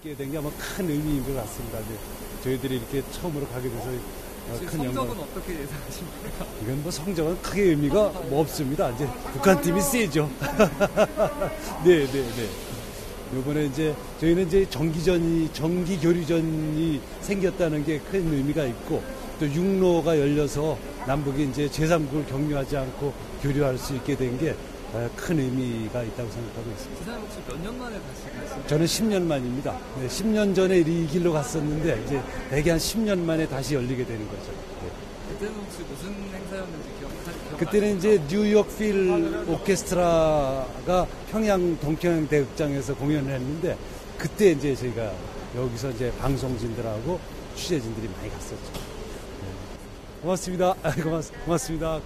있게 된 게 아마 큰 의미인 것 같습니다. 저희들이 이렇게 처음으로 가게 돼서 큰 영광. 성적은 어떻게 예상하십니까? 이건 뭐 성적은 크게 의미가 뭐 없습니다. 이제 북한팀이 세죠. 네. 요번에 이제 저희는 이제 정기 교류전이 생겼다는 게 큰 의미가 있고 또 육로가 열려서 남북이 이제 제3국을 격려하지 않고 교류할 수 있게 된 게 큰 의미가 있다고 생각하고 있습니다. 지사님 혹시 몇 년 만에 다시 가시나요? 저는 10년 만입니다. 네, 10년 전에 이 길로 갔었는데 이제 대개 한 10년 만에 다시 열리게 되는 거죠. 네. 그때는 혹시 무슨 행사였는지 기억나시나요? 그때는 이제 뉴욕 필 오케스트라가 평양 동평양 대극장에서 공연을 했는데 그때 이제 저희가 여기서 이제 방송진들하고 취재진들이 많이 갔었죠. 네. 고맙습니다. 고맙습니다.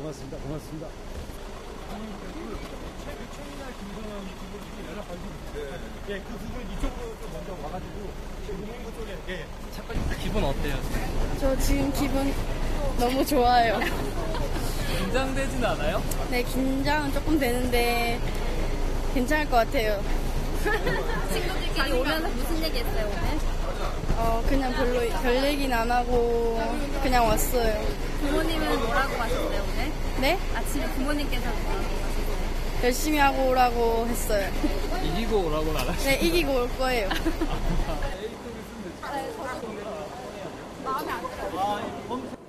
예, 그 부분 이쪽으로 좀 먼저 와가지고 동행구 쪽에 예. 잠깐 기분 어때요? 저 지금 기분 너무 좋아요. 긴장되진 않아요? 네, 긴장은 조금 되는데 괜찮을 것 같아요. 친구들끼리 오면서 무슨 얘기 했어요, 오늘? 그냥 별 얘기는 안 하고 그냥 왔어요. 부모님은 뭐라고 하셨어요, 오늘? 네? 아침에 부모님께서 뭐라고 하셨어요? 열심히 하고 오라고 했어요. 이기고 오라고는 안 하시죠? 네, 이기고 올 거예요. 마음에 안 들어요.